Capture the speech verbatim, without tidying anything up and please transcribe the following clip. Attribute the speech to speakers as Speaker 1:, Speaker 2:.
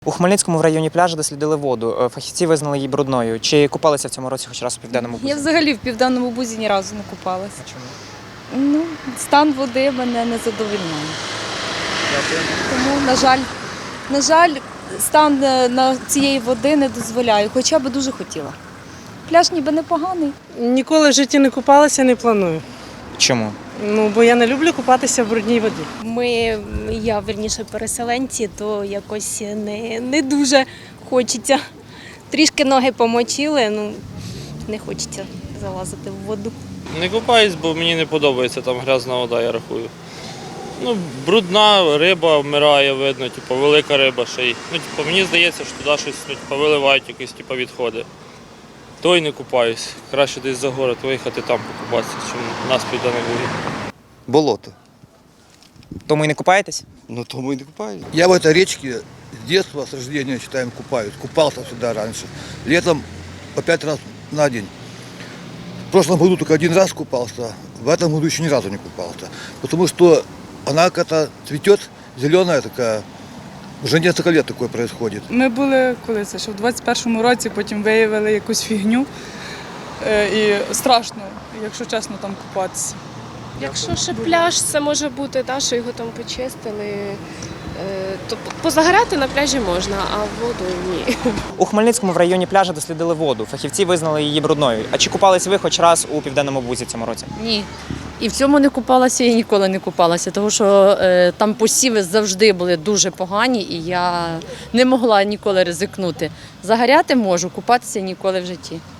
Speaker 1: У Хмельницькому в районі пляжу дослідили воду. Фахівці визнали її брудною. Чи купалися в цьому році хоч раз у Південному Бузі?
Speaker 2: Я взагалі в Південному Бузі ні разу не купалася.
Speaker 1: А чому?
Speaker 2: Ну, стан води мене не задовольняє.
Speaker 1: Дякую.
Speaker 2: Тому, на жаль, на жаль, стан е, на цієї води не дозволяє, хоча б дуже хотіла. Пляж ніби непоганий.
Speaker 3: Ніколи в житті не купалася, не планую.
Speaker 1: Чому?
Speaker 3: Ну, бо я не люблю купатися в брудній воді.
Speaker 4: Ми, я верніше переселенці, то якось не, не дуже хочеться. Трішки ноги помочили, ну не хочеться залазити в воду.
Speaker 5: Не купаюсь, бо мені не подобається там грязна вода, я рахую. Ну, брудна риба вмирає, видно, типу, велика риба ще й. Ну, типу, мені здається, що туди щось ну, типу, виливають якісь типу, відходи. То й не купаюсь. Краще десь за город виїхати там покупатися, чим у нас піде на вулиці.
Speaker 6: Болото.
Speaker 1: Тому і не купаєтесь?
Speaker 6: Ну, то мы и не купаем.
Speaker 7: Я в этой речке с детства, с рождения, считаем, купаюсь. Купался всегда раньше. Летом по пять раз на день. В прошлом году только один раз купался, в этом году еще ни разу не купался. Потому что она как-то цветет, зеленая такая. Уже несколько лет такое происходит.
Speaker 8: Ми були, коли це, що в двадцять першому році, потім виявили якусь фігню. Е, І страшно, якщо чесно, там купатися.
Speaker 9: Якщо ще пляж, це може бути, та, що його там почистили, е, то позагорати на пляжі можна, а в воду ні.
Speaker 1: У Хмельницькому в районі пляжу дослідили воду. Фахівці визнали її брудною. А чи купались ви хоч раз у Південному Бузі цьому році?
Speaker 10: Ні. І в цьому не купалася, і ніколи не купалася, тому що е, там посіви завжди були дуже погані, і я не могла ніколи ризикнути. Загоряти можу, купатися ніколи в житті.